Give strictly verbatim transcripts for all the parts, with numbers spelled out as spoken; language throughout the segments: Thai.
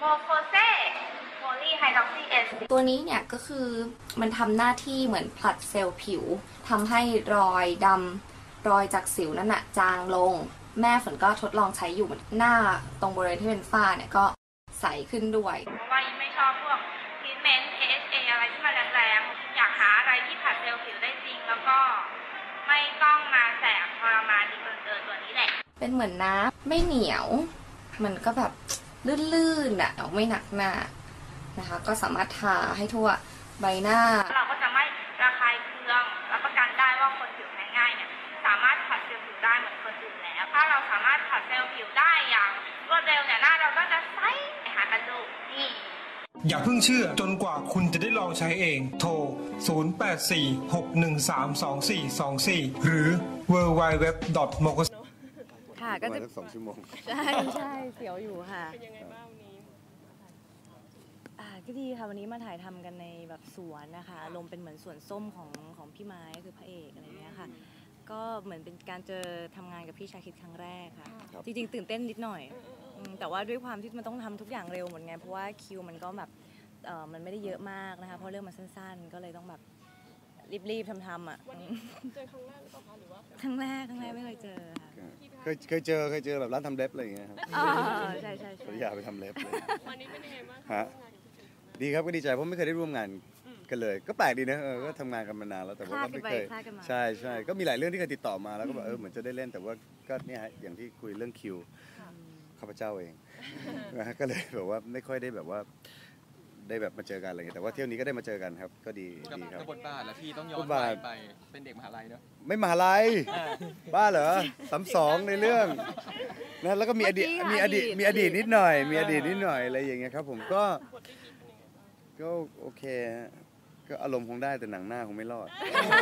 โมโคเซโพลีไฮดรอกซีเอสตัวนี้เนี่ยก็คือมันทำหน้าที่เหมือนผลัดเซลล์ผิวทำให้รอยดำรอยจากสิวนั่นน่ะจางลงแม่ฝนก็ทดลองใช้อยู่หน้าตรงบริเวณที่เป็นฝ้าเนี่ยก็ใสขึ้นด้วยเพราะว่ายิ่งไม่ชอบพวกทรีทเมนต์ เอ เอช เอ อะไรที่มันแรงๆอยากหาอะไรที่ผลัดเซลล์ผิวได้จริงแล้วก็ไม่ต้องมาแสบทรมานดีเกินเกินตัวนี้แหละเป็นเหมือนน้ำไม่เหนียวมันก็แบบลื่นๆอ่ะไม่หนักหน้านะคะก็สามารถทาให้ทั่วใบหน้าเราก็จะไม่ระคายเคืองรับประกันได้ว่าคนผิวแพ้ง่ายเนี่ยสามารถผัดเซลล์ผิวได้เหมือนคนอื่นแล้วถ้าเราสามารถผัดเซลล์ผิวได้อย่างรวดเร็วเนี่ยหน้าเราก็จะใสหากันดูนี่อย่าเพิ่งเชื่อจนกว่าคุณจะได้ลองใช้เองโทรศูนย์ แปด สี่ หก หนึ่ง สาม สอง สี่ สอง สี่หรือ ดับเบิลยู ดับเบิลยู ดับเบิลยู ดอท โมโคเซค่ะก็จะสองชั่วโมงใช่ใช่เสียวอยู่ค่ะเป็นยังไงบ้างวันนี้อ่าก็ดีค่ะวันนี้มาถ่ายทำกันในแบบสวนนะคะลมเป็นเหมือนสวนส้มของของพี่ไม้คือพระเอกอะไรเงี้ยค่ะก็เหมือนเป็นการเจอทำงานกับพี่ชาคิดครั้งแรกค่ะจริงๆตื่นเต้นนิดหน่อยแต่ว่าด้วยความที่มันต้องทำทุกอย่างเร็วเหมือนไงเพราะว่าคิวมันก็แบบเออมันไม่ได้เยอะมากนะคะเพราะเรื่องมันสั้นๆก็เลยต้องแบบรีบๆทำๆอ่ะวันนี้เจอครั้งแรกหรือเปล่าคะหรือว่าครั้งแรกครั้งแรกไม่เคยเจอค่ะเคยเคยเจอเคยเจอแบบร้านทำเล็บอะไรอย่างเงี้ยครับอ๋อใช่ใช่ใช่อยากไปทำเล็บเลยวันนี้เป็นยังไงบ้างฮะดีครับก็ดีใจเพราะไม่เคยได้ร่วมงานกันเลยก็แปลกดีนะเออก็ทำงานกันมานานแล้วแต่ว่าก็ไม่เคยใช่ใช่ก็มีหลายเรื่องที่เคยติดต่อมาแล้วก็แบบเออเหมือนจะได้เล่นแต่ว่าก็เนี่ยอย่างที่คุยเรื่องคิวข้าพเจ้าเองนะฮะก็เลยแบบว่าไม่ค่อยได้แบบว่าได้แบบมาเจอกันอะไรเงี้ยแต่ว่าเที่ยวนี้ก็ได้มาเจอกันครับก็ดีดีครับบทบาทแล้วพี่ต้องย้อนไปเป็นเด็กมหาลัยเนอะไม่มหาลัยบ้าเหรอสามสองในเรื่องนะแล้วก็มีอดีตมีอดีตมีอดีตนิดหน่อยมีอดีตนิดหน่อยอะไรอย่างเงี้ยครับผมก็ก็โอเคก็อารมณ์คงได้แต่หนังหน้าคงไม่รอด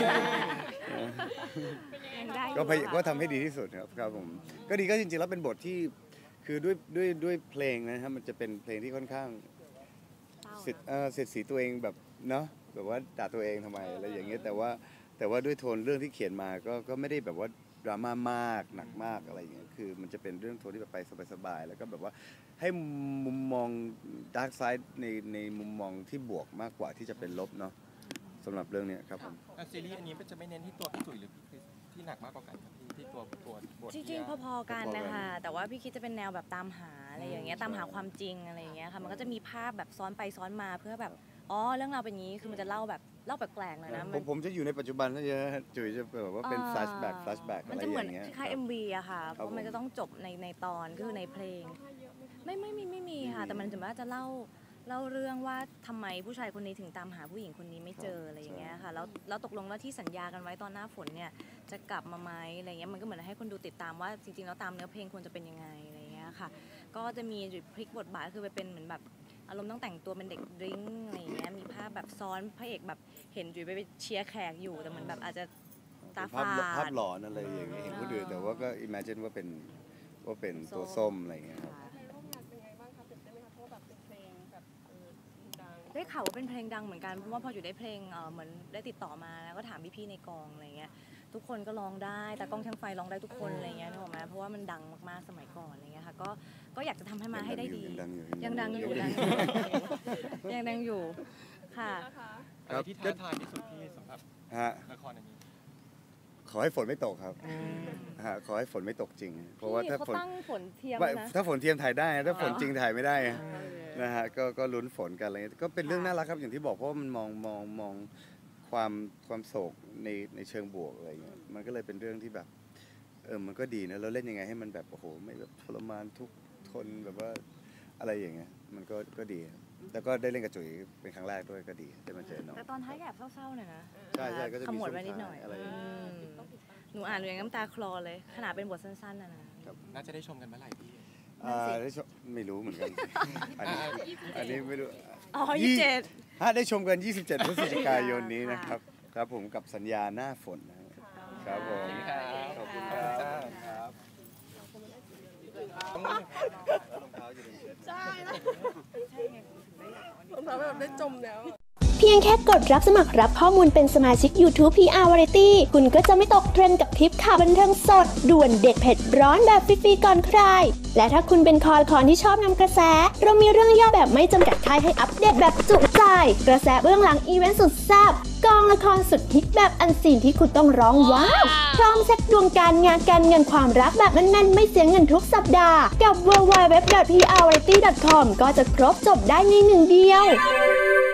ก็พยายามก็ทำให้ดีที่สุดครับครับผมก็ดีก็จริงๆแล้วเป็นบทที่คือด้วยด้วยด้วยเพลงนะครับมันจะเป็นเพลงที่ค่อนข้างเสร็จเออเสร็จสีตัวเองแบบเนาะแบบว่าด่าตัวเองทำไมอะไรอย่างเงี้ยแต่ว่าแต่ว่าด้วยโทนเรื่องที่เขียนมาก็ก็ไม่ได้แบบว่าดราม่ามากหนักมากอะไรอย่างเงี้ยคือมันจะเป็นเรื่องโทนที่แบบไปสบายๆแล้วก็แบบว่าให้มุมมองดาร์กไซด์ในในมุมมองที่บวกมากกว่าที่จะเป็นลบเนาะสำหรับเรื่องนี้ครับผมซีรีส์อันนี้จะไม่เน้นที่ตัวพี่ตุ๋ยหรือที่หนักมากกว่ากันครับที่ตัวตัวบทจริงๆพอๆกันนะคะแต่ว่าพี่คิดจะเป็นแนวแบบตามหาอะไรอย่างเงี้ยตามหาความจริงอะไรอย่างเงี้ยค่ะมันก็จะมีภาพแบบซ้อนไปซ้อนมาเพื่อแบบอ๋อเรื่องราวเป็นอย่างนี้คือมันจะเล่าแบบเล่าแปลกๆเลยนะผมผมจะอยู่ในปัจจุบันนะเยอะจุ๋ยจะแบบว่าเป็นแฟลชแบ็กแฟลชแบ็กอะไรอย่างเงี้ยมันจะเหมือนคล้ายๆ เอ็ม วี อะค่ะเพราะมันจะต้องจบในในตอนคือในเพลงไม่ไม่มีไม่มีค่ะแต่มันจะว่าจะเล่าเล่าเรื่องว่าทำไมผู้ชายคนนี้ถึงตามหาผู้หญิงคนนี้ไม่เจออะไรอย่างเงี้ยค่ะแล้วแล้วตกลงว่าที่สัญญากันไว้ตอนหน้าฝนเนี่ยจะกลับมาไหมอะไรเงี้ยมันก็เหมือนให้คนดูติดตามว่าจริงๆแล้วตามเนื้อเพลงควรจะเป็นยังไงอะไรเงี้ยค่ะก็จะมีพลิกบทบาทคือไปเป็นเหมือนแบบอารมณ์ต้องแต่งตัวเป็นเด็กดริ้งอะไรเงี้ยมีภาพแบบซ้อนพระเอกแบบเห็นจุ๋ยไปเชียร์แขกอยู่แต่เหมือนแบบอาจจะตาฝาดภาพหลอนอะไรอย่างเงี้ยเห็นคนอื่นแต่ว่าก็อิมเมจินว่าเป็นว่าเป็นตัวส้มอะไรเงี้ยครับได้ข่าวว่าเป็นเพลงดังเหมือนกันเพราะว่าพออยู่ได้เพลงเออเหมือนได้ติดต่อมาแล้วก็ถามพี่ๆในกองอะไรเงี้ยทุกคนก็ร้องได้แต่กล้องช่างไฟร้องได้ทุกคนอะไรเงี้ยนึกออกไหมเพราะว่ามันดังมากๆสมัยก่อนอะไรเงี้ยค่ะก็ก็อยากจะทำให้มาให้ได้ดียังดังอยู่ยังยังดังอยู่ค่ะอะไรที่ท้าทายที่สุดที่สำหรับละครอันนี้ขอให้ฝนไม่ตกครับฮะขอให้ฝนไม่ตกจริงเพราะว่าถ้าฝนฝนเทียมนะถ้าฝนเทียมถ่ายได้ถ้าฝนจริงถ่ายไม่ได้นะฮะก็ก็ลุ้นฝนกันอะไรก็เป็นเรื่องน่ารักครับอย่างที่บอกเพราะมันมองมองมองความความโศกในในเชิงบวกอะไรเงี้ยมันก็เลยเป็นเรื่องที่แบบเออมันก็ดีนะเราเล่นยังไงให้มันแบบโอ้โหไม่แบบทรมานทุกทนแบบว่าอะไรอย่างเงี้ยมันก็ก็ดีแล้วก็ได้เล่นกับจุ๋ยเป็นครั้งแรกด้วยก็ดีได้มาเจอน้องแต่ตอนท้ายแอบเศร้าๆหน่อยนะใช่ใช่ก็จะมีขมวดไว้นิดหน่อยอะไรหนูอ่านหนูยังน้ำตาคลอเลยขนาดเป็นบทสั้นๆนะนะน่าจะได้ชมกันเมื่อไหร่พี่อ่าได้ชมไม่รู้เหมือนกันอันนี้อันนี้ไม่รู้อ๋อยี่สิบเจ็ดฮะได้ชมกันยี่สิบเจ็ดพฤศจิกายนนี้นะครับครับผมกับสัญญาหน้าฝนนะครับผมขอบคุณครับใช่รองเท้าแบบได้จมแล้วพียงแค่กดรับสมัครรับข้อมูลเป็นสมาชิก YouTube พี อาร์ Variety คุณก็จะไม่ตกเทรนด์กับคลิปข่าวบันเทิงสดด่วนเด็ดเผ็ดร้อนแบบฟรีๆก่อนใครและถ้าคุณเป็นคอคอนที่ชอบนำกระแสเรามีเรื่องย่อแบบไม่จำกัดท้ายให้อัปเดตแบบจุใจกระแสเบื้องหลังอีเวนต์สุดแซ่บกองละครสุดฮิตแบบอันซีนที่คุณต้องร้องว้าวพร้อมเช็คดวงการงานการเงินความรักแบบแน่นๆไม่เสียเงินทุกสัปดาห์กับ ดับเบิลยู ดับเบิลยู ดับเบิลยู ดอท พี อาร์ วาไรตี้ ดอท คอม ก็จะครบจบได้ในหนึ่งเดียว